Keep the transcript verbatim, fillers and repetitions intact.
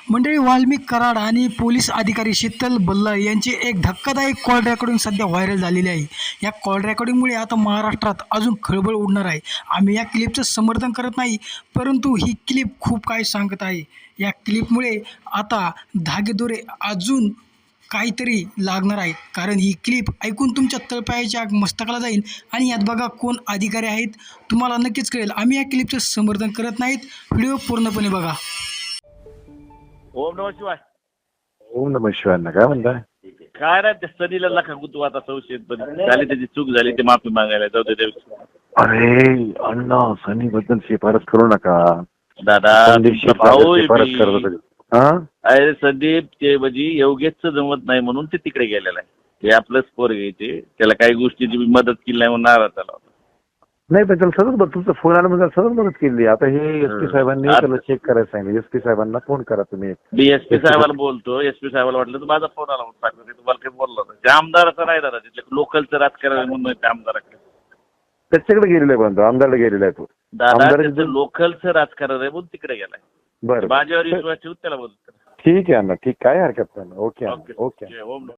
मंडळी, वाल्मिक कराड आणि पोलीस अधिकारी शीतल बल्ला यांची एक धक्कादायक कॉल रेकॉर्डिंग सध्या व्हायरल झालेली आहे. या कॉल रेकॉर्डिंगमुळे आता महाराष्ट्रात अजून खळबळ उडणार आहे. आम्ही या क्लिपचं समर्थन करत नाही, परंतु ही क्लिप खूप काही सांगत आहे. या क्लिपमुळे आता धागेदोरे अजून काहीतरी लागणार आहे, कारण ही क्लिप ऐकून तुमच्या तळपायाच्या मस्तकाला जाईल आणि यात बघा कोण अधिकारी आहेत तुम्हाला नक्कीच कळेल. आम्ही या क्लिपचं समर्थन करत नाहीत. व्हिडिओ पूर्णपणे बघा. ओम नमः शिवाय. ओम नमः शिवाय. काय म्हणताय? काय नाही, त्या सनीला नका तू आता संशयित पण झाली, त्याची चूक झाली, ते माफी मागायला जाऊ दे. देव अरे अण्णा, सनी बद्दल शिफारस करू नका दादा, संदीप तुमचा भाऊ आहे शिफारस मी. करत होते. हा अरे संदीप, ते म्हणजे योगेशचं जमत नाही म्हणून ते तिकडे गेलेलं आहे. ते आपलंच पोर घ्यायचे, त्याला काही गोष्टीची मी मदत केली नाही म्हणून नाराज झाला होता. नाही पण त्याला सतत बघ, तुमचा फोन आला म्हणजे सतत मदत केली. आता हे एस पी साहेबांनी त्याला चेक करायला सांगितलं. एस पी साहेबांना फोन करा तुम्ही. मी एस पी साहेबाला बोलतो. एस पी साहेबाला वाटलं तर माझा फोन आला म्हणून सांगतो. तुम्हाला काही बोललो नाही. ते आमदाराचं नाही दादा, तिथले लोकलचं राजकारण म्हणून ते आमदाराकडे त्याच्याकडे गेलेला आहे, पण आमदारला गेलेला आहे तो. दादा, त्याचं लोकलचं राजकारण आहे म्हणून तिकडे गेलाय. बरं, माझ्यावर विश्वास ठेवून त्याला बोलतो. ठीक आहे अण्णा, ठीक, काय हरकत नाही. Okay okay okay. ओम